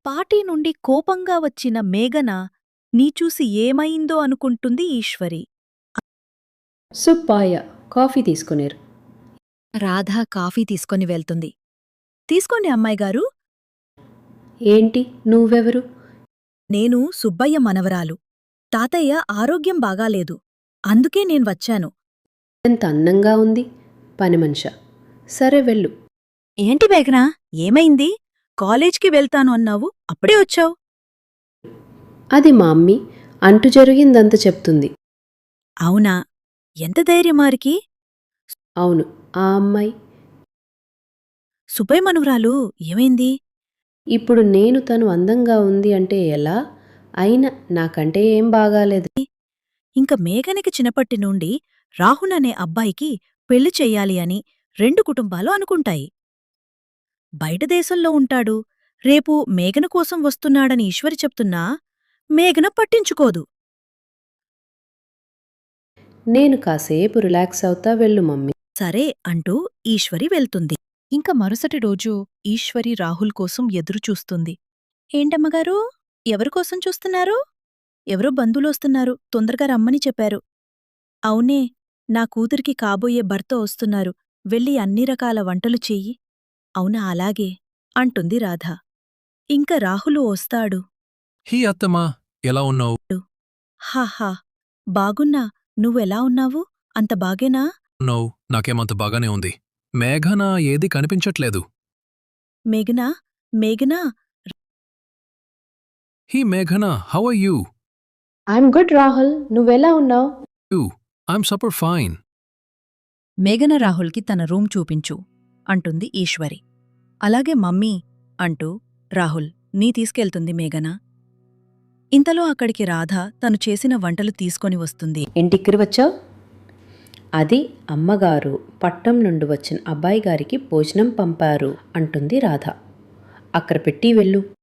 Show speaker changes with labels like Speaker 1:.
Speaker 1: Party నుండి కోపంగా వచ్చిన మేఘన నీ చూసి ఏమైందో అనుకుంటుంది ఈశ్వరి.
Speaker 2: సుబ్బాయ కాఫీ తీసుకునేరు.
Speaker 1: రాధ కాఫీ తీసుకొని వెళ్తుంది. తీసుకోండి అమ్మాయిగారు.
Speaker 2: ఏంటి నువ్వెవరు?
Speaker 1: నేను సుబ్బయ్య మనవరాలు. తాతయ్య ఆరోగ్యం బాగాలేదు. అందుకే నేను వచ్చాను.
Speaker 2: ఎంత అందంగా ఉంది. పని మనిషా. సరే వెళ్ళు.
Speaker 1: ఏంటి మేఘనా, ఏమైంది? కాలేజ్కి వెళ్తాను అన్నావు, అప్పుడే వచ్చావు.
Speaker 2: అది మా అమ్మి అంటు జరిగిందంత చెప్తుంది.
Speaker 1: అవునా? ఎంత ధైర్యమారికి?
Speaker 2: అవును, ఆ అమ్మాయి.
Speaker 1: సుబ్బయ్య మనవరాలు ఏమైంది?
Speaker 2: ఇప్పుడు నేను తను అందంగా ఉంది అంటే ఎలా? అయినా నాకంటే ఏం బాగాలేదు.
Speaker 1: ఇంక మేఘనకి చిన్నపట్టి నుండి రాహుల్ అనే అబ్బాయికి పెళ్లి చెయ్యాలి అని రెండు కుటుంబాలు అనుకుంటాయి. బయట దేశంలో ఉంటాడు. రేపు మేఘన కోసం వస్తున్నాడని ఈశ్వరి చెప్తున్నా మేఘన పట్టించుకోదు.
Speaker 2: నేను కాసేపు రిలాక్స్ అవుతా, వెళ్ళు మమ్మీ.
Speaker 1: సరే అంటూ ఈశ్వరి వెళ్తుంది. ఇంక మరుసటి రోజు ఈశ్వరి రాహుల్ కోసం ఎదురుచూస్తుంది. ఏంటమ్మగారూ, ఎవరికోసం చూస్తున్నారు? ఎవరో బంధువులొస్తున్నారు, తొందరగా రమ్మని చెప్పారు. అవునే, నా కూతురికి కాబోయే భర్త వస్తున్నారు, వెళ్ళి అన్ని రకాల వంటలు చెయ్యి. అవునా, అలాగే అంటుంది రాధ. ఇంక రాహులు వస్తాడు.
Speaker 3: హీ అత్తమ్మా, ఎలా ఉన్నావు?
Speaker 1: హాహా, బాగున్నా. నువ్వెలా ఉన్నావు? అంత బాగేనా?
Speaker 3: నాకేమంత బాగానే ఉంది. మేఘన ఏదీ కనిపించట్లేదు.
Speaker 1: మేఘనా, మేఘనా.
Speaker 3: హీ మేఘన, how are you?
Speaker 2: I'm good Rahul, నువ్వెలా ఉన్నావు?
Speaker 3: I'm super fine.
Speaker 1: మేఘన రాహుల్కి తన రూమ్ చూపించు అంటుంది ఈశ్వరి. అలాగే మమ్మీ అంటూ రాహుల్ నీ తీసుకెళ్తుంది మేఘన. ఇంతలో అక్కడికి రాధ తను చేసిన వంటలు తీసుకొని వస్తుంది.
Speaker 2: ఇంటికి వచ్చావు? అది అమ్మగారు పట్టం నుండి వచ్చిన అబ్బాయి గారికి భోజనం పంపారు అంటుంది రాధ. అక్కడ పెట్టి వెళ్ళు.